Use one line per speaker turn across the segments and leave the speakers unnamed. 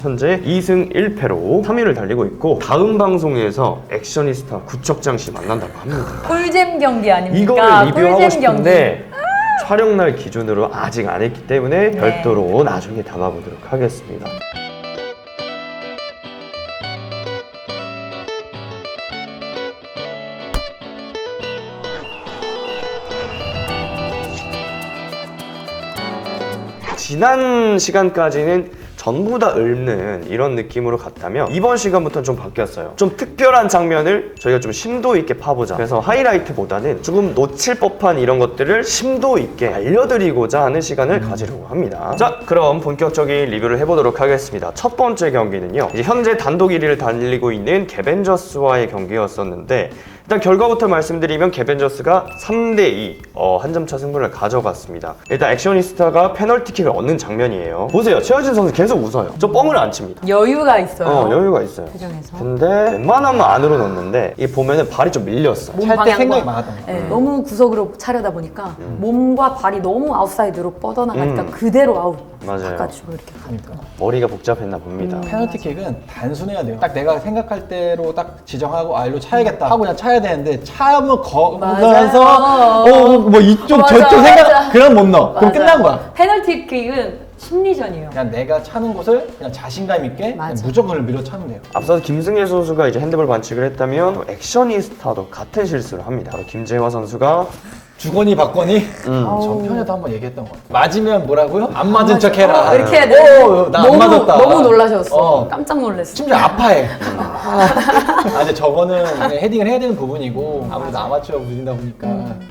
현재 2승 1패로 3위를 달리고 있고 다음 방송에서 액션이스타 구척장 씨 만난다고 합니다.
꿀잼 경기 아닙니까?
이거를 리뷰하고
꿀잼
싶은데 촬영날 기준으로 아직 안 했기 때문에 별도로 나중에 담아보도록 하겠습니다. 지난 시간까지는 전부 다 읊는 이런 느낌으로 갔다면 이번 시간부터는 좀 바뀌었어요. 좀 특별한 장면을 저희가 좀 심도 있게 파보자. 그래서 하이라이트보다는 조금 놓칠 법한 이런 것들을 심도 있게 알려드리고자 하는 시간을 가지려고 합니다. 자, 그럼 본격적인 리뷰를 해보도록 하겠습니다. 첫 번째 경기는요, 이제 현재 단독 1위를 달리고 있는 개벤저스와의 경기였었는데, 일단 결과부터 말씀드리면 개벤저스가 3대2 한 점 차 승부를 가져갔습니다. 일단 액션이스타가 페널티킥을 얻는 장면이에요. 보세요, 최하진 선수 계속 웃어요. 저 뻥을 안 칩니다.
여유가 있어요.
여유가 있어요.
표정에서.
근데 웬만하면 안으로 넣는데 이 보면은 발이 좀 밀렸어.
몸
찰때
방향과
생각이 많았던 거야.
네, 너무 구석으로 차려다 보니까 몸과 발이 너무 아웃사이드로 뻗어나가니까 그대로 아웃.
맞아요.
바깥으로 이렇게 가니까.
머리가 복잡했나 봅니다.
페널티킥은 단순해야 돼요. 딱 내가 생각할 대로 딱 지정하고 일로 차야겠다 하고 그냥 차야 되는데 차면 거면서 뭐 이쪽
맞아,
저쪽 생각
맞아.
그럼 못 넣어. 그럼
맞아.
끝난 거야.
페널티킥은 심리전이에요.
그냥 내가 차는 곳을 그냥 자신감 있게 그냥
맞아.
무조건 밀어 차면 돼요.
앞서서 김승혜 선수가 이제 핸드볼 반칙을 했다면 또 액션이스타도 같은 실수를 합니다. 바로 김재화 선수가
주거니 받거니 전편에도 한번 얘기했던 것 같아요. 맞으면 뭐라고요? 안 맞은 척 해라.
이렇게 해야 돼.
나 안 맞았다.
너무 놀라셨어.
어.
깜짝 놀랐어.
심지어 아파해. 근데 저거는 그냥 헤딩을 해야 되는 부분이고 아무래도 아마추어가 부진다 보니까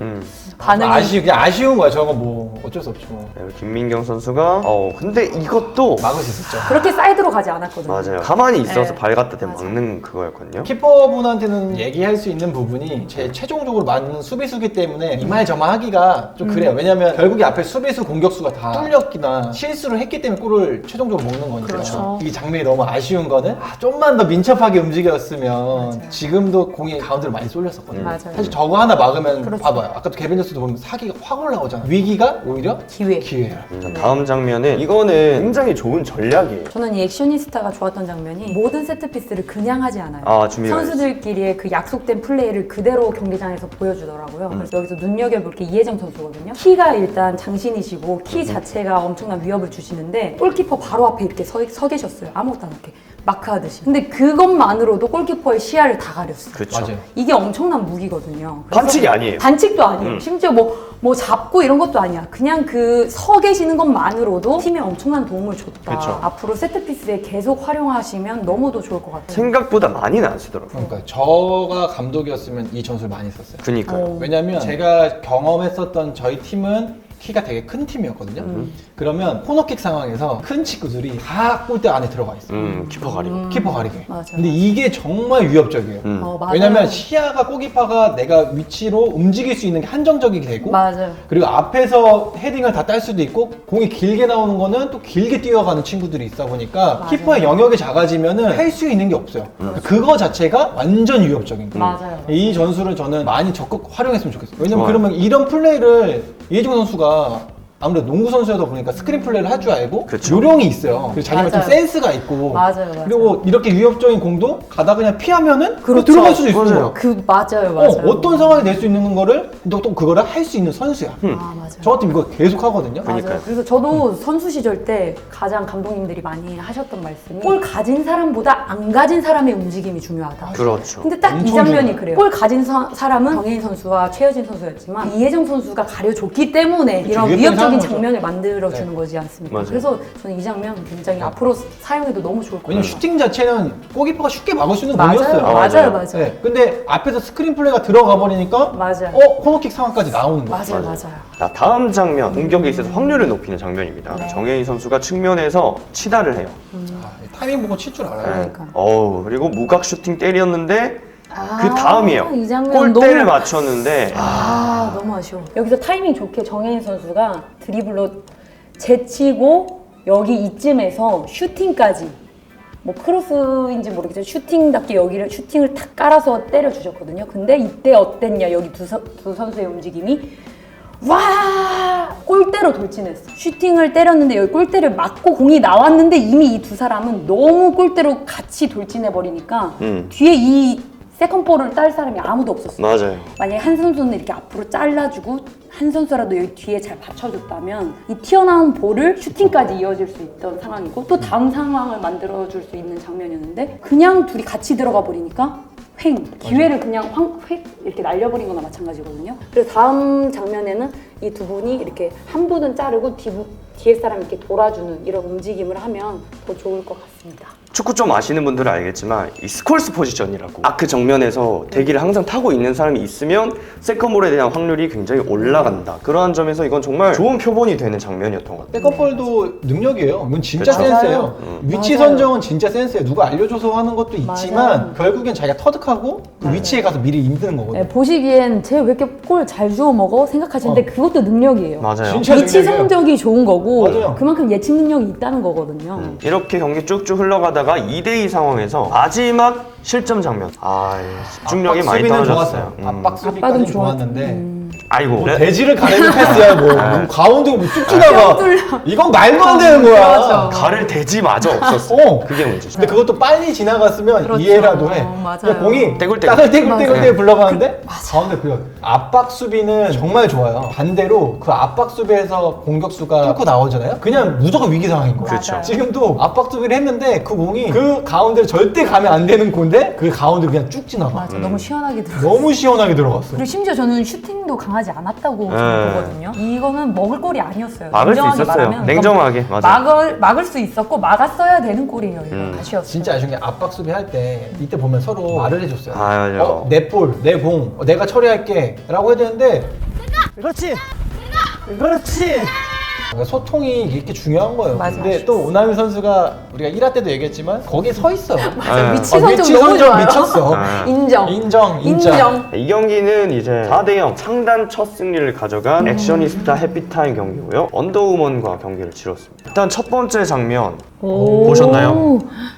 반응이
그냥 아쉬운 거야. 저거 뭐 어쩔 수 없죠.
그리고 김민경 선수가 근데 이것도
막을 수 있었죠.
그렇게 사이드로 가지 않았거든요.
맞아요. 가만히 있어서
네.
발 갖다 대면
맞아.
막는 그거였거든요.
키퍼분한테는 얘기할 수 있는 부분이 제 최종적으로 맞는 수비수기 때문에 이말저말하기가 좀 그래요. 왜냐면 결국에 앞에 수비수 공격수가 다 뚫렸기나 실수를 했기 때문에 골을 최종적으로 먹는 거니까.
그렇죠.
이 장면이 너무 아쉬운 거는 좀만 더 민첩하게 움직였으면 지금도 공이 가운데로 많이 쏠렸었거든요.
맞아요.
사실 저거 하나 막으면
그렇죠.
봐봐요. 아까도 개벤저스도 보면 사기가 확 올라오잖아. 위기가 오히려
기회.
기회야.
다음 장면은 이거는 굉장히 좋은 전략이에요.
저는 이 액션이스타가 좋았던 장면이 모든 세트피스를 그냥 하지 않아요.
준비가
선수들끼리의 그 약속된 플레이를 그대로 경기장에서 보여주더라고요. 그래서 여기서 눈여겨볼 게 이혜정 선수거든요. 키가 일단 장신이시고 키 자체가 엄청난 위협을 주시는데 골키퍼 바로 앞에 이렇게 서 계셨어요. 아무것도 안 이렇게 마크하듯이. 근데 그것만으로도 골키퍼의 시야를 다 가렸어요.
그쵸.
맞아요.
이게 엄청난 무기거든요. 그래서
반칙이 아니에요.
반칙도 아니에요. 심지어 뭐 잡고 이런 것도 아니야. 그냥 그 서 계시는 것만으로도 팀에 엄청난 도움을 줬다.
그쵸.
앞으로 세트피스에 계속 활용하시면 너무도 좋을 것 같아요.
생각보다 많이는 안 쓰더라고요.
그러니까 저가 감독이었으면 이 전술 많이 썼어요.
그니까요.
왜냐면 제가 경험했었던 저희 팀은 키가 되게 큰 팀이었거든요. 그러면 코너킥 상황에서 큰 친구들이 다 골대 안에 들어가 있어요.
키퍼 가리고.
키퍼 가리게.
맞아요.
근데 이게 정말 위협적이에요.
맞아요.
왜냐면 시야가 골키퍼가 내가 위치로 움직일 수 있는 게 한정적이게 되고
맞아요.
그리고 앞에서 헤딩을 다 딸 수도 있고 공이 길게 나오는 거는 또 길게 뛰어가는 친구들이 있다 보니까
맞아요.
키퍼의 영역이 작아지면은 할 수 있는 게 없어요. 그거 자체가 완전 위협적인 거예요.
맞아요.
이 전술을 저는 많이 적극 활용했으면 좋겠어요. 왜냐면
좋아요.
그러면 이런 플레이를 이혜종 선수가 아무래도 농구 선수여다 보니까 스크린 플레이를 할 줄 알고
그쵸.
요령이 있어요. 그리고 자기만큼
맞아요.
센스가 있고
맞아요.
그리고 이렇게 위협적인 공도 가다 그냥 피하면은
그렇죠.
들어갈 수도 있어요.
맞아요.
맞아요.
어떤 상황이 될 수 있는 거를 또 그거를 할 수 있는 선수야.
맞아요.
저 같은 이거 계속 하거든요.
그러니까요.
그래서 저도 선수 시절 때 가장 감독님들이 많이 하셨던 말씀이 골 가진 사람보다 안 가진 사람의 움직임이 중요하다.
그렇죠.
근데 딱 이
엄청
장면이
중요해요.
그래요. 골 가진 사람은 정혜인 선수와 최여진 선수였지만 이혜정 선수가 가려줬기 때문에 이런
위협적인
위협적인
상황이죠.
장면을 만들어주는 거지 않습니까?
맞아요.
그래서 저는 이 장면 굉장히 앞으로 사용해도 너무 좋을 것
왜냐면
같아요.
슈팅 자체는 골키퍼가 쉽게 막을 수 있는
맞아요.
공이었어요.
맞아요.
맞아요.
네. 근데 앞에서 스크린 플레이가 들어가 버리니까
맞아요.
코너킥 상황까지 나오는 거예요.
맞아요.
자, 다음 장면, 공격에 있어서 확률을 높이는 장면입니다.
네.
정혜인 선수가 측면에서 치다를 해요.
타이밍 보고 칠 줄 알아요.
그러니까.
그리고 무각 슈팅 때렸는데 그
아,
다음이에요.
이 장면
골대를
너무-
맞췄는데
너무 아쉬워. 여기서 타이밍 좋게 정혜인 선수가 드리블로 제치고 여기 이쯤에서 슈팅까지 뭐 크로스인지 모르겠지만 슈팅답게 여기를 슈팅을 탁 깔아서 때려주셨거든요. 근데 이때 어땠냐 여기 두 선수의 움직임이 와 골대로 돌진했어. 슈팅을 때렸는데 여기 골대를 맞고 공이 나왔는데 이미 이 두 사람은 너무 골대로 같이 돌진해 버리니까 뒤에 이 세컨볼을 딸 사람이 아무도 없었어.
맞아요.
만약에 한 선수는 이렇게 앞으로 잘라주고 한 선수라도 여기 뒤에 잘 받쳐줬다면 이 튀어나온 볼을 슈팅까지 이어질 수 있던 상황이고 또 다음 상황을 만들어줄 수 있는 장면이었는데 그냥 둘이 같이 들어가 버리니까 횡! 기회를 그냥 획 이렇게 날려버린 거나 마찬가지거든요. 그래서 다음 장면에는 이 두 분이 이렇게 한 분은 자르고 뒤에 사람 이렇게 돌아주는 이런 움직임을 하면 더 좋을 것 같습니다.
축구 좀 아시는 분들은 알겠지만 이 스콜스 포지션이라고 아크 정면에서 대기를 항상 타고 있는 사람이 있으면 세컨볼에 대한 확률이 굉장히 올라간다. 그러한 점에서 이건 정말 좋은 표본이 되는 장면이었던 것 같아요.
세컨볼도 능력이에요. 이건 진짜
그쵸.
센스예요. 위치
맞아요.
선정은 진짜 센스예요. 누가 알려줘서 하는 것도 있지만
맞아요.
결국엔 자기가 터득하고 그 위치에 가서 미리 임드는 거거든요.
네, 보시기엔 쟤 왜 이렇게 골 잘 주워 먹어? 생각하시는데 그것도 능력이에요.
맞아요.
진짜
위치
능력이에요.
성적이 좋은 거고
맞아요.
그만큼 예측 능력이 있다는 거거든요.
이렇게 경기 쭉쭉 흘러가다가 2대2 상황에서 마지막 실점 장면. 집중력이 많이
수비는
떨어졌어요.
좋았어요. 압박
압박은
수비까지
좋았-
좋았는데
아이고.
뭐 대지를 가리는 패스야 뭐 가운데 뭐쭉 지나가.
뚫려.
이건 말도 안 되는 거야.
그렇죠.
가를 대지마저 없었어. 그게 문제죠.
근데 그것도 빨리 지나갔으면
그렇죠.
이해라도 해.
맞아요.
그냥 공이
떼굴떼굴.
땅을 떼굴떼굴
맞아요.
굴러가는데 가운데 그려. 압박 수비는 정말 좋아요. 반대로 그 압박 수비에서 공격수가 뚫고 나오잖아요. 그냥 무조건 위기 상황인 거예요.
그렇죠.
지금도 압박 수비를 했는데 그 공이 그 가운데를 절대 가면 안 되는 공인데 그 가운데 그냥 쭉 지나가.
맞아, 너무 시원하게 들어.
너무 시원하게 들어갔어.
그리고 심지어 저는 슈팅도 강하지 않았다고 저는 보거든요. 이거는 먹을 골이 아니었어요.
막을 수
냉정하게
있었어요.
말하면
냉정하게. 맞아.
막을 수 있었고 막았어야 되는 골이에요. 이거 아쉬웠어요.
진짜 아쉬운 게 압박 수비 할 때 이때 보면 서로 말을 해줬어요.
맞아요.
내 볼, 내 공, 내가 처리할게 라고 해야 되는데
그렇지. 그렇지.
그러니까 소통이 이렇게 중요한 거예요.
맞아.
근데 또 오나미 선수가 우리가 1화 때도 얘기했지만 거기에 서 있어.
맞아,
네.
위치 선정
위치
너무
선정
좋아요.
미쳤어.
인정.
인정.
이 경기는 이제 4대0 창단 첫 승리를 가져간 액션이스타 해피타임 경기고요. 언더우먼과 경기를 치렀습니다. 일단 첫 번째 장면 보셨나요?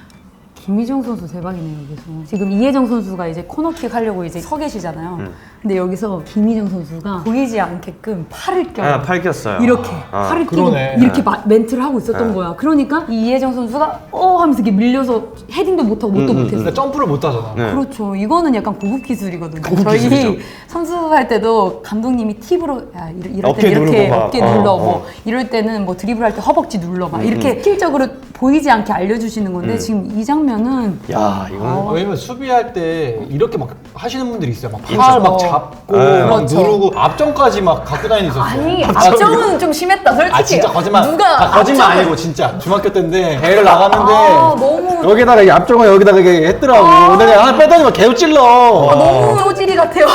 김희정 선수 대박이네요, 여기서. 지금 이혜정 선수가 이제 코너킥 하려고 이제 서 계시잖아요. 근데 여기서 김희정 선수가 보이지 않게끔 팔을 껴요.
팔 꼈어요.
이렇게
아,
팔을 끼고
그러네.
이렇게 멘트를 하고 있었던 거야. 그러니까 이 이혜정 선수가 하면서 이렇게 밀려서 헤딩도 못하고 뭣도 못했어.
근데 점프를 못 하잖아.
네.
그렇죠. 이거는 약간 고급 기술이거든요.
고급
저희
기술이죠.
선수할 때도 감독님이 팁으로 야, 이럴
어깨
때 이렇게
누르고 막.
어깨 눌러 뭐 이럴 때는 뭐 드리블할 때 허벅지 눌러 막 이렇게 실적으로 보이지 않게 알려주시는 건데 지금 이 장면은
야, 이건
왜냐면 수비할 때 이렇게 막 하시는 분들이 있어요. 막
그렇죠.
팔 막 잡고
네.
막
그렇죠.
누르고 앞점까지 막 갖고 다니는 있었어요.
아니 앞정은 좀 심했다 솔직히.
아 진짜 거짓말.
누가
아, 거짓말
앞정은-
아니고 진짜 중학교 때인데 대회를 나갔는데
너무
여기다가 이 앞쪽을 여기다가 이렇게 했더라고. 근데 내가 하나 빼더니 막 개우 찔러.
너무 소질이 같아요.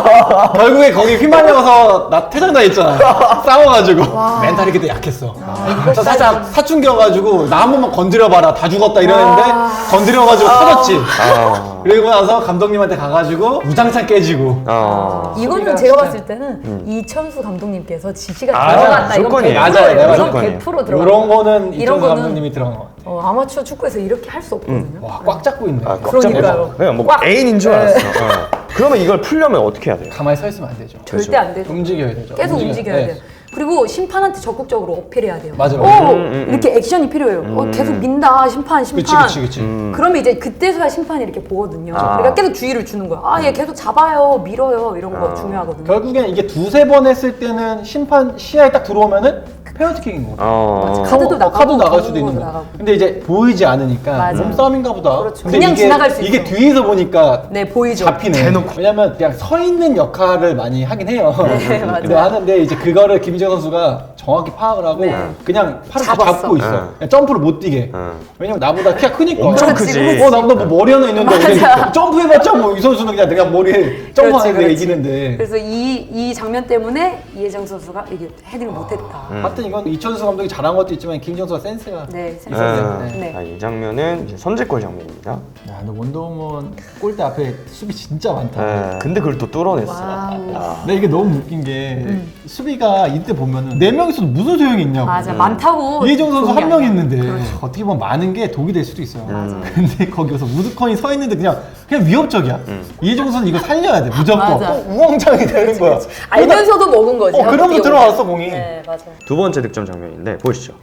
결국에 거기 휘말려서 나 퇴장당했잖아. 싸워가지고 멘탈이 그때 약했어. 저 살짝 사춘기여가지고 나 한 번만 건드려봐라 다 죽었다 이러는데 건드려가지고 터졌지. 그리고 나서 감독님한테 가가지고 우장창 깨지고.
이거는
소리가
제가
진짜-
봤을 때는 이천수 감독님께서 지시가
아,
들어갔다.
무조건이에요.
맞아요, 내가
이건
무조건이에요.
100% 들어가.
이런 거는
이런
이런
거는
감독님이 들어간 거 같아.
아마추어 축구에서 이렇게 할 수 없거든요.
와, 꽉 잡고 있네.
그러니까요.
그냥 뭐
꽉.
애인인 줄
네.
알았어. 그러면 이걸 풀려면 어떻게 해야 돼요?
가만히 서 있으면 안 되죠.
절대 안 돼요.
움직여야 되죠.
계속 움직여야
네.
돼요. 그리고 심판한테 적극적으로 어필해야 돼요.
맞아,
오!
맞아.
이렇게 액션이 필요해요. 계속 민다, 심판.
그치.
그러면 이제 그때서야 심판이 이렇게 보거든요. 그러니까 계속 주의를 주는 거야. 얘 계속 잡아요, 밀어요, 이런 거 중요하거든요.
결국엔 이게 두세 번 했을 때는 심판 시야에 딱 들어오면은 페널티킥인 거죠.
카드도 나가고
카드 나갈 수도
경고도
있는 거.
나가고.
근데 이제 보이지 않으니까
맞아.
몸싸움인가 보다.
그렇죠.
근데
그냥
이게,
지나갈 수
이게
있어.
뒤에서 보니까
네, 보이죠.
잡히네. 왜냐면 그냥 서 있는 역할을 많이 하긴 해요.
네, 맞아요.
근데 하는데 이제 그거를 김희정 선수가 정확히 파악을 하고 그냥 팔을 다
잡았어.
잡고 있어. 그냥 점프를 못 뛰게. 왜냐면 나보다 키가 크니까.
엄청
그렇지,
크지.
그렇지.
나보다 뭐 머리 하나 있는데
맞아.
그냥 점프해봤자 뭐 이 선수는 그냥 내가 머리에 점프하는 데
그렇지.
이기는데.
그래서 이 장면 때문에 이혜정 선수가 이게 헤딩을 못했다.
하여튼 이건 이천수 감독이 잘한 것도 있지만 김희정 선수가 센스가.
네, 센스.
네.
이 장면은 이제 선제골 장면입니다.
야, 근데 원더우먼 골대 앞에 수비 진짜 많다.
근데 그걸 또 뚫어냈어요.
와우.
야.
근데 이게 너무 웃긴 게 수비가 이때 때 보면은 4명이서도 무슨 소용이 있냐고.
맞아, 많다고.
이혜정 선수
좋은 게
한 명
아니야.
있는데
그렇죠.
어떻게 보면 많은 게 독이 될 수도 있어요.
맞아.
근데 거기서 우드컨이 서 있는데 그냥 위협적이야. 이혜정 선수 이거 살려야 돼 무조건.
맞아.
또 우왕좌왕이 되는 거야.
알면서도 먹은 거지.
그러면
어떻게
들어왔어 공이.
네, 맞아.
두 번째 득점 장면인데 보시죠.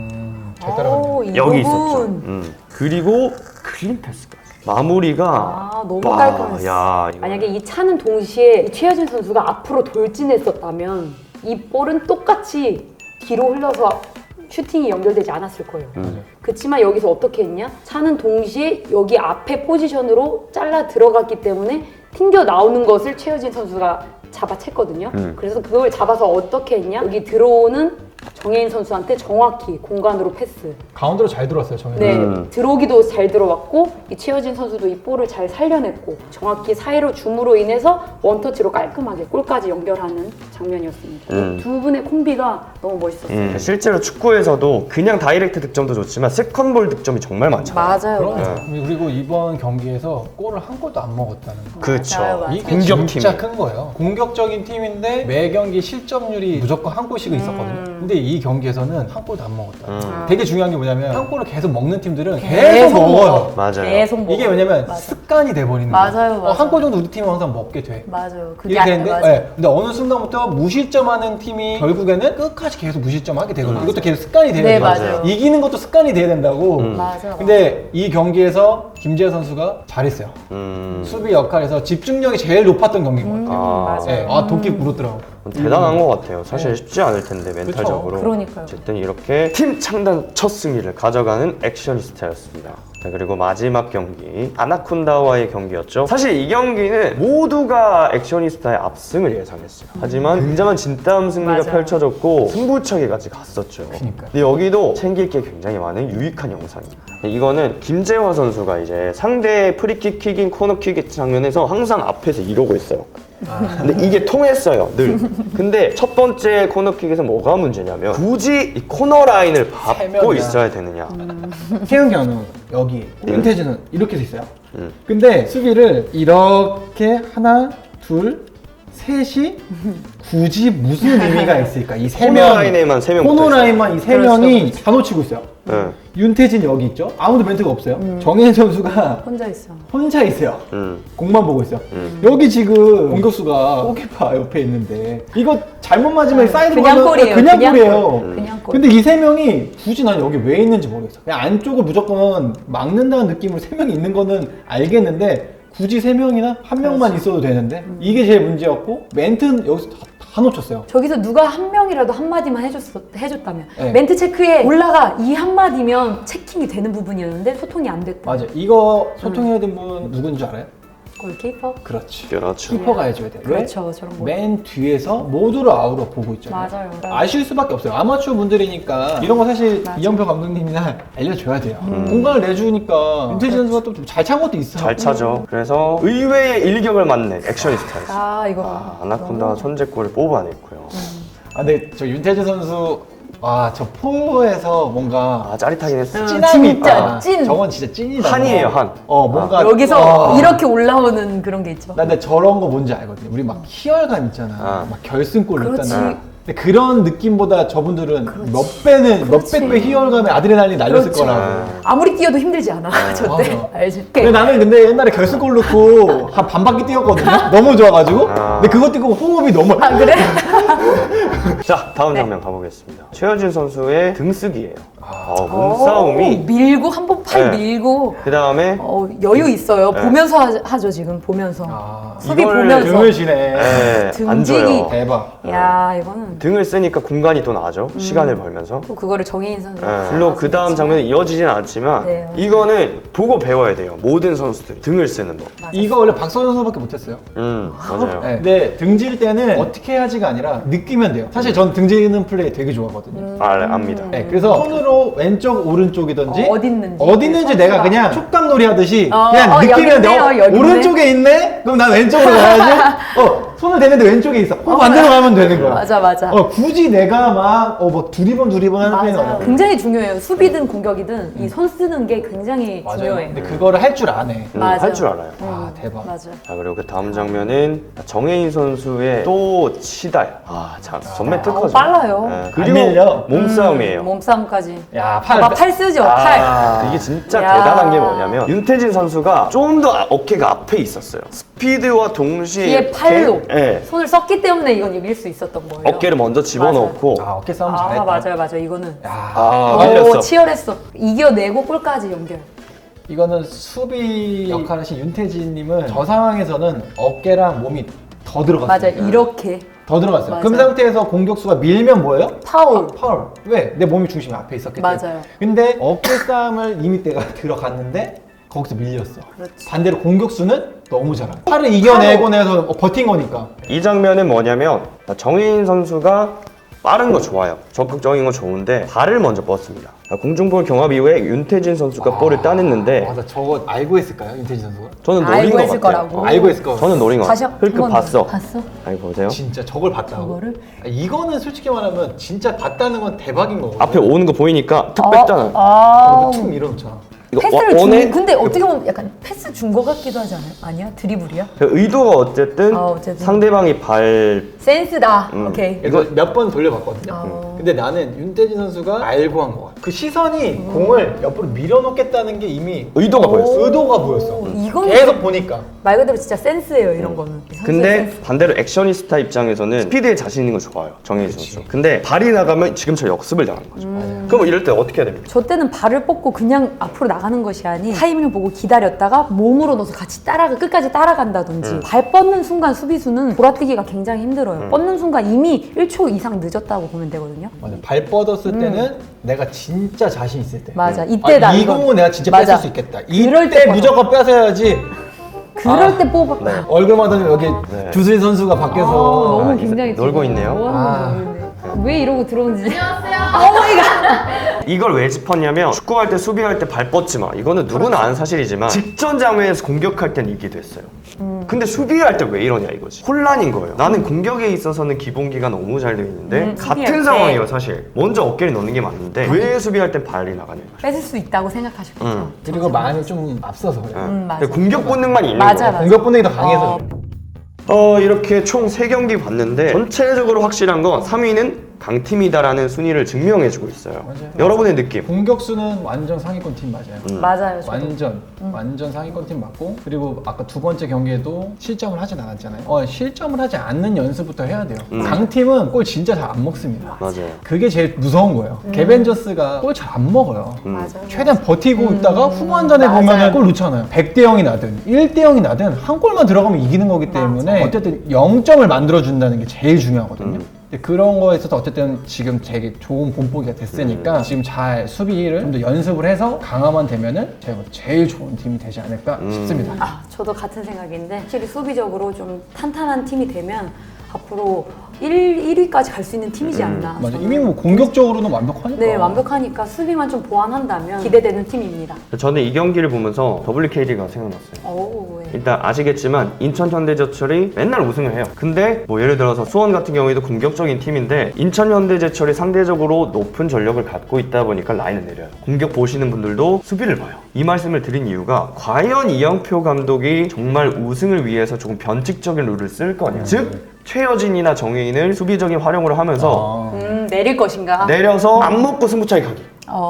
잘 따라갔네.
이
여기
부분.
있었죠. 그리고 클린 패스까지. 마무리가
아, 너무
와,
깔끔했어.
야, 이거.
만약에 이 차는 동시에 이 최여진 선수가 앞으로 돌진했었다면 이 볼은 똑같이 뒤로 흘러서 슈팅이 연결되지 않았을 거예요. 그렇지만 여기서 어떻게 했냐? 차는 동시에 여기 앞에 포지션으로 잘라 들어갔기 때문에 튕겨 나오는 것을 최여진 선수가 잡아챘거든요. 그래서 그걸 잡아서 어떻게 했냐? 여기 들어오는 정혜인 선수한테 정확히 공간으로 패스.
가운데로 잘 들어왔어요 정현.
네, 들어오기도 잘 들어왔고 이 최여진 선수도 이 볼을 잘 살려냈고 정확히 사이로 줌으로 인해서 원터치로 깔끔하게 골까지 연결하는 장면이었습니다. 이두 분의 콤비가 너무 멋있었어요.
실제로 축구에서도 그냥 다이렉트 득점도 좋지만 세컨볼 득점이 정말 많잖아요.
맞아요.
그리고 이번 경기에서 골을 한 골도 안 먹었다는 거.
그렇죠.
맞아요, 맞아요.
이게
공격팀.
진짜 큰 거예요. 공격적인 팀인데 매 경기 실점률이 무조건 한 골씩은 있었거든요. 근데 이 경기에서는 한 골도 안 먹었다. 되게 중요한 게 뭐냐면 한 골을 계속 먹는 팀들은 계속 먹어요.
맞아요.
계속 먹어.
이게 왜냐면
맞아.
습관이 돼버리는
맞아요,
거예요.
맞아요.
한 골 정도 우리 팀은 항상 먹게 돼.
맞아요. 그게
이렇게 되는데,
맞아.
네. 근데 어느 순간부터 무실점하는 팀이 결국에는 끝까지 계속 무실점하게 되거든요. 이것도 계속 습관이 돼야
네,
돼요.
맞아요.
이기는 것도 습관이 돼야 된다고.
맞아.
근데 이 경기에서 김재현 선수가 잘했어요. 수비 역할에서 집중력이 제일 높았던 경기인 것 같아요.
맞아요.
네. 도끼 물었더라고.
대단한 것 같아요. 사실 쉽지 않을 텐데 멘탈적으로.
그러니까요.
어쨌든 이렇게 팀 창단 첫 승리를 가져가는 액션이스타였습니다. 자, 그리고 마지막 경기 아나콘다와의 경기였죠. 사실 이 경기는 모두가 액션이스타의 압승을 예상했어요. 하지만 굉장한 진땀 승리가
맞아요.
펼쳐졌고 승부차기까지 갔었죠.
그러니까요.
근데 여기도 챙길 게 굉장히 많은 유익한 영상입니다. 이거는 김재화 선수가 이제 상대 프리킥 킥인 코너킥 장면에서 항상 앞에서 이러고 있어요. 근데 이게 통했어요, 늘. 근데 첫 번째 코너킥에서 뭐가 문제냐면 굳이 이 코너 라인을 밟고
세면이야.
있어야 되느냐.
태은경은 여기, 윤태진은 이렇게 돼 있어요. 근데 수비를 이렇게 하나, 둘, 셋이 굳이 무슨 의미가 있을까? 이 세
코너
명,
라인에만 세 명
코너
붙어있어요.
라인만 이 세 명이 다 놓치고 있어요.
네.
윤태진 여기 있죠? 아무도 멘트가 없어요. 정혜인 선수가
혼자 있어.
혼자 있어요.
음.
공만 보고 있어요. 여기 지금 공격수가 골키퍼 옆에 있는데 이거 잘못 맞으면 사이드로
그냥
가면
골이에요.
그냥
그냥
골이에요.
골. 그냥 골.
근데 이 세 명이 굳이 난 여기 왜 있는지 모르겠어. 그냥 안쪽을 무조건 막는다는 느낌으로 세 명이 있는 거는 알겠는데 굳이 세 명이나 한 명만 있어도 되는데 이게 제일 문제였고 멘트는 여기서 다 놓쳤어요.
저기서 누가 한 명이라도 한마디만 해줬다면
네.
멘트 체크에 올라가 이 한마디면 체킹이 되는 부분이었는데 소통이 안 됐다.
맞아. 이거 소통해야 된 분 누군지 알아요?
골키퍼?
그렇지.
그렇죠.
키퍼가 해줘야 돼. 왜?
그렇죠. 저런 거.
맨 뒤에서 모두를 아우러 보고 있잖아요.
맞아요.
아쉬울 수밖에 없어요. 아마추어 분들이니까 이런 거 사실
맞아.
이영표 감독님이나 알려줘야 돼요. 공간을 내주니까 윤태진 선수가 또 잘 찬 것도 있어.
잘 차죠. 그래서 의외의 일격을 맞는 액션이스타였어요.
아 이거
아나콘다가 선제골을 뽑아냈고요.
근데 저 윤태진 선수 저 포에서 뭔가
짜릿하긴 했어요.
찐함이
진짜
있다.
찐.
저건 진짜 찐이다.
한이에요, 한.
뭔가
여기서 이렇게 올라오는 그런 게 있죠.
나 근데 저런 거 뭔지 알거든요. 우리 막 희열감 있잖아. 막 결승골
그렇지.
넣었잖아. 근데 그런 느낌보다 저분들은 몇 백배 희열감에 아드레날린 날렸을
그렇지.
거라고.
아무리 뛰어도 힘들지 않아. 저때
맞아.
알지?
근데 나는 옛날에 결승골 넣고 한 반 바퀴 뛰었거든요. 너무 좋아가지고. 근데 그거 뛰고 호흡이 너무.
아 그래?
자, 다음 장면 가보겠습니다. 최여진 선수의 등쓰기예요. 몸싸움이.
밀고 한 번 팔
네.
밀고
그 다음에
여유 있어요. 보면서 하죠 지금 보면서. 수비
이걸
보면서.
등을 쉬네.
안
등지기.
줘요.
대박.
야 이거는
등을 쓰니까 공간이 또 나죠. 시간을 벌면서.
또 그거를 정혜인 선수.
물론 그 다음 장면이 이어지진 않지만
네, 맞아요.
이거는 보고 배워야 돼요. 모든 선수들이 등을 쓰는 법.
이거 원래 박서준 선수밖에 못했어요.
맞아요.
네. 근데 등질 때는 어떻게 해야지가 아니라 느끼면 돼요. 사실 전 등지는 플레이 되게 좋아하거든요.
압니다.
네, 그래서 손으로 왼쪽 오른쪽이든지
어디 있는지.
내가 그냥 촉감놀이 하듯이
어,
그냥
여기
느끼면 돼.
있네요, 여기
오른쪽에 있네? 그럼 난 왼쪽으로 가야지. 손을 대는데 왼쪽에 있어. 반대로 가면 되는 거야.
맞아.
굳이 내가 막 뭐 두리번 하는 편은
맞아요.
아니야.
굉장히 중요해요. 수비든 공격이든 이 손 쓰는 게 굉장히
맞아요.
중요해.
근데 그거를 할 줄 아네.
맞아.
할 줄 알아요.
아 대박.
맞아.
자, 그리고 그 다음 장면은 정혜인 선수의 또 치다야. 자, 전매 특허죠.
빨라요.
네,
안 밀려.
몸싸움이에요.
몸싸움까지.
야
팔 쓰죠. 팔.
이게 진짜
야.
대단한 게 뭐냐면 윤태진 선수가 좀 더 어깨가 앞에 있었어요. 스피드와 동시에
뒤에 팔로
예,
손을 썼기 때문에 이건 이길 수 있었던 거예요.
어깨를 먼저 집어넣고
어깨 싸움 잘했다.
맞아요. 이거는.
야,
오,
밀렸어.
치열했어. 이겨내고 골까지 연결.
이거는 수비 역할을 하신 윤태진님은 저 상황에서는 어깨랑 몸이 더 들어갔어요.
맞아. 이렇게
더 들어갔어요.
맞아.
그 상태에서 공격수가 밀면 뭐예요?
파울.
파울. 왜? 내 몸이 중심이 앞에 있었기 때문에.
맞아요.
근데 어깨 싸움을 이미 내가 들어갔는데 거기서 밀렸어.
그렇지.
반대로 공격수는 너무 잘하고 팔을 이겨내고 내서 버틴 거니까.
이 장면은 뭐냐면 정혜인 선수가 빠른 거 좋아요. 적극적인 거 좋은데 발을 먼저 뻗습니다. 공중볼 경합 이후에 윤태진 선수가 볼을 따냈는데
맞아, 저거 알고 했을까요, 윤태진 선수가?
저는 노린
알고
것
했을
같아요.
거라고.
알고 했을 거.
저는 노린 것
다시
같아요.
한
힐끗
번
봤어.
봤어?
아니 보세요.
진짜 저걸 봤다고?
저거를?
이거는 솔직히 말하면 진짜 봤다는 건 대박인 거거든.
앞에 오는 거 보이니까 툭 뺐잖아.
아.
툭 밀어놓잖아.
이거
패스를
원해?
준 근데 어떻게 보면 약간 패스 준 거 같기도 하지 않아요? 아니야? 드리블이야?
그 의도가 어쨌든
어쨌든.
상대방이 발
센스다. 오케이.
이거 몇 번 돌려봤거든요.
어.
근데 나는 윤태진 선수가 알고 한 거 같아. 그 시선이 공을 옆으로 밀어놓겠다는 게 이미
의도가 보였어.
의도가 보였어.
이건
계속 보니까.
말 그대로 진짜 센스예요, 이런 거는. 선수의
근데
센스.
반대로 액션이스타 입장에서는 스피드에 자신 있는 거 좋아요. 정혜인 선수. 근데 발이 나가면 지금처럼 역습을 당하는 거죠. 그럼 이럴 때 어떻게 해야 됩니까?
저 때는 발을 뻗고 그냥 앞으로 나가는 것이 아닌 타이밍을 보고 기다렸다가 몸으로 넣어서 같이 끝까지 따라간다든지 발 뻗는 순간 수비수는 돌아뛰기가 굉장히 힘들어요. 뻗는 순간 이미 1초 이상 늦었다고 보면 되거든요.
맞아. 발 뻗었을 때는 내가 진짜 자신 있을 때.
맞아. 이때다.
이
이건.
공은 내가 진짜
맞아.
뺏을 수 있겠다.
그럴
이때
때
무조건 뺏어야지.
그럴 때 뽑아.
얼굴만 하면 여기
네.
주수인 선수가 밖에서
너무
아,
굉장히
놀고
지금
있네요.
뭐
아.
하는 거야, 왜 이러고 들어온지. 안녕하세요. 어머니가.
이걸 왜 짚었냐면 축구할 때 수비할 때 발 뻗지 마. 이거는 누구나 아는 사실이지만 직전 장면에서 공격할 땐 이게 됐어요. 근데 수비할 때 왜 이러냐 이거지. 혼란인 거예요. 나는 공격에 있어서는 기본기가 너무 잘 되어 있는데
수비할
같은
때.
상황이에요 사실. 먼저 어깨를 넣는 게 맞는데 왜 수비할 땐 발이 나가냐 이거죠.
뺏을 수 있다고 생각하셨겠죠.
그리고 많이 좀 앞서서 그래.
맞아.
공격 본능만 있는
맞아,
거예요.
맞아.
공격 본능이 더 강해서. 그래.
이렇게 총 3경기 봤는데 전체적으로 확실한 건 3위는 강팀이다라는 순위를 증명해주고 있어요.
맞아요.
여러분의 느낌.
공격수는 완전 상위권 팀 맞아요.
맞아요. 저도.
완전 상위권 팀 맞고, 그리고 아까 두 번째 경기에도 실점을 하진 않았잖아요. 실점을 하지 않는 연습부터 해야 돼요. 강팀은 골 진짜 잘 안 먹습니다.
맞아요.
그게 제일 무서운 거예요. 개벤저스가 골 잘 안 먹어요.
맞아요.
최대한 버티고 있다가 후반전에
맞아요.
보면 골 넣잖아요. 100대 0이 나든 1대 0이 나든 한 골만 들어가면 이기는 거기 때문에 어쨌든 0점을 만들어준다는 게 제일 중요하거든요. 근데 그런 거에 있어서 어쨌든 지금 되게 좋은 본보기가 됐으니까 지금 잘 수비를 좀 더 연습을 해서 강화만 되면은 제가 제일 좋은 팀이 되지 않을까 싶습니다.
저도 같은 생각인데 확실히 수비적으로 좀 탄탄한 팀이 되면 앞으로 1위까지 갈 수 있는 팀이지 않나.
맞아.
저는.
이미 뭐 공격적으로는 완벽하니까.
네, 완벽하니까 수비만 좀 보완한다면 기대되는 팀입니다.
저는 이 경기를 보면서 WKD가 생각났어요.
오, 네.
일단 아시겠지만 인천 현대제철이 맨날 우승을 해요. 근데 뭐 예를 들어서 수원 같은 경우에도 공격적인 팀인데 인천 현대제철이 상대적으로 높은 전력을 갖고 있다 보니까 라인을 내려요. 공격 보시는 분들도 수비를 봐요. 이 말씀을 드린 이유가 과연 이영표 감독이 정말 우승을 위해서 조금 변칙적인 룰을 쓸 거냐. 즉 최여진이나 정혜인을 수비적인 활용을 하면서
내릴 것인가?
내려서 안 먹고 승부차기 가기.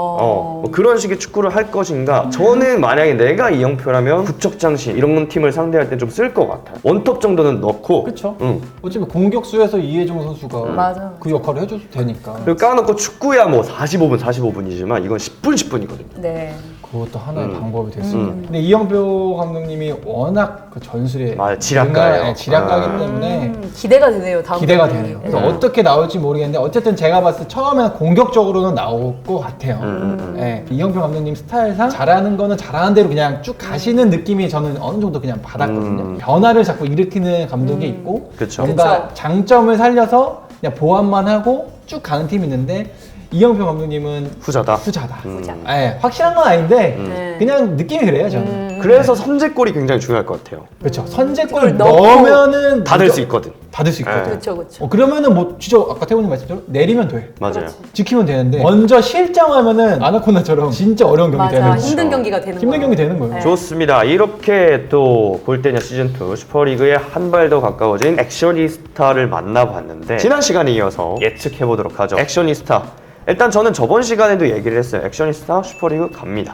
뭐 그런 식의 축구를 할 것인가. 저는 만약에 내가 이영표라면 구척장신 이런 팀을 상대할 때 좀 쓸 것 같아요. 원톱 정도는 넣고.
그쵸?
응.
어차피 공격수에서 이해종 선수가
맞아.
그 역할을 해줘도 되니까.
그리고 까놓고 축구야 뭐 45분이지만 이건 10분이거든요.
네.
그것도 하나의 방법이 될 수 있는. 근데 이영표 감독님이 워낙 그 전술에
맞아요. 지략가예요.
네, 지략가기 때문에
기대가 되네요. 다음
기대가
경기.
되네요. 그래서 어떻게 나올지 모르겠는데 어쨌든 제가 봤을 때 처음에는 공격적으로는 나올 것 같아요. 네, 이영표 감독님 스타일상 잘하는 거는 잘하는 대로 그냥 쭉 가시는 느낌이 저는 어느 정도 그냥 받았거든요. 변화를 자꾸 일으키는 감독이 있고
그쵸.
뭔가 장점을 살려서 그냥 보완만 하고 쭉 가는 팀이 있는데 이영표 감독님은
후자다.
후자다.
후자.
네, 확실한 건 아닌데
네.
그냥 느낌이 그래요 저는.
그래서 선제골이 굉장히 중요할 것 같아요.
그렇죠. 선제골
넣고
넣으면은
다 될 수 있거든.
다 될 수 있거든.
네.
그렇죠, 그렇죠.
그러면은 뭐 진짜 아까 태훈님 말씀대로 내리면 돼.
맞아요.
그렇지.
지키면 되는데 먼저 실장하면은 아나콘다처럼 진짜 어려운 경기
맞아,
되는 거죠.
힘든 경기가 되는
힘든
거예요.
경기 되는 거예요.
네.
좋습니다. 이렇게 또 골대녀 시즌2 슈퍼리그에 한 발 더 가까워진 액션이스타를 만나봤는데 지난 시간에 이어서 예측해보도록 하죠. 액션이스타. 일단 저는 저번 시간에도 얘기를 했어요. 액션이스타 슈퍼리그 갑니다.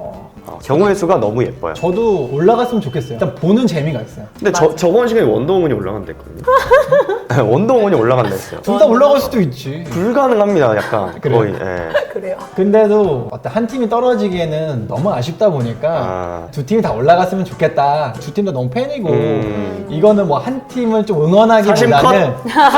경우의 수가 너무 예뻐요.
저도 올라갔으면 좋겠어요. 일단 보는 재미가 있어요.
근데 저번 시간에 원더우먼이 올라간다 했거든요. 원더우먼이 올라간다 했어요.
둘 다 올라갈 수도 있지.
불가능합니다. 약간
그래요?
거의. 예.
그래요.
근데도 어떤 한 팀이 떨어지기에는 너무 아쉽다 보니까
아.
두 팀이 다 올라갔으면 좋겠다. 두 팀 다 너무 팬이고 이거는 뭐 한 팀을 좀
사심
응원하기보다는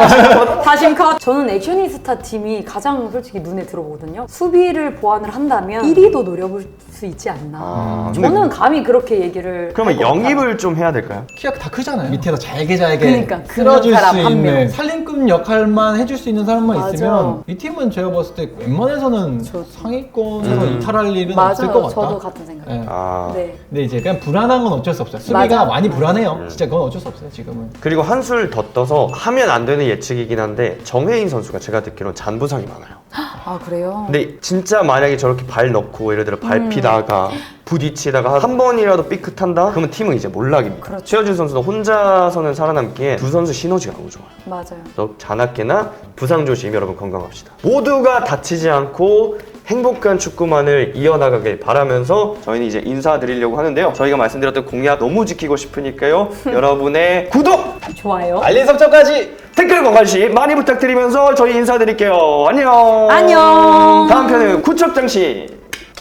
다심 컷. 저는 액션이스타 팀이 가장 솔직히 눈에 들어오거든요. 수비를 보완을 한다면 1위도 노려볼 수 있지 않나.
아, 근데
저는 감히 그렇게 얘기를.
그러면
할 것 같아요.
영입을 좀 해야 될까요?
키가 다 크잖아요. 밑에서 잘게
그러니까,
쓸어줄
그 사람
수
한
있는
명.
살림꾼 역할만 해줄 수 있는 사람만
맞아.
있으면 이 팀은 제가 봤을 때 웬만해서는 상위권에서 이탈할 일은 없을 것
맞아요.
같다.
저도 같은 생각.
네.
아.
네.
근데 이제 그냥 불안한 건 어쩔 수 없어요. 수비가
맞아.
많이 불안해요. 진짜 그건 어쩔 수 없어요 지금은.
그리고 한술 더 떠서 하면 안 되는 예측이긴 한데 정혜인 선수가 제가 듣기로는 잔부상이 많아요.
아 그래요?
근데 진짜 만약에 저렇게 발 넣고 예를 들어 밟히다가 부딪히다가 한 번이라도 삐끗한다? 그러면 팀은 이제 몰락입니다.
그렇죠.
최여준 선수도 혼자서는 살아남기에 두 선수 시너지가 너무 좋아요.
맞아요.
그래서 잔악계나 부상 조심 여러분 건강합시다. 모두가 다치지 않고 행복한 축구만을 이어나가길 바라면서 저희는 이제 인사드리려고 하는데요. 저희가 말씀드렸던 공약 너무 지키고 싶으니까요. 여러분의 구독!
좋아요.
알림 설정까지.
댓글 관심 많이 부탁드리면서 저희 인사드릴게요. 안녕.
안녕.
다음 편은 구척장씨.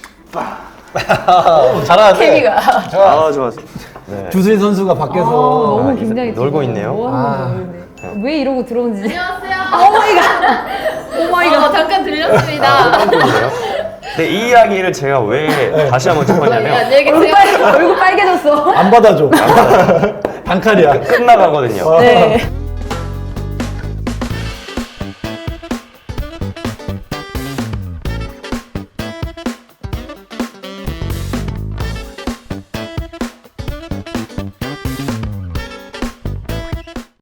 잘하네.
케미가.
아 좋았어. 네.
주수인 선수가 밖에서
너무
아,
굉장히
놀고
지금
있네요.
뭐 하는 거예요, 근데? 왜 이러고 들어온지.
안녕하세요.
오마이갓.
잠깐 들렸습니다.
네, 이 이야기를 제가 왜 다시 한번 짚었냐면
안녕히 계세요.
얼굴 빨개졌어.
안 받아줘. 단칼이야.
끝나가거든요.
네.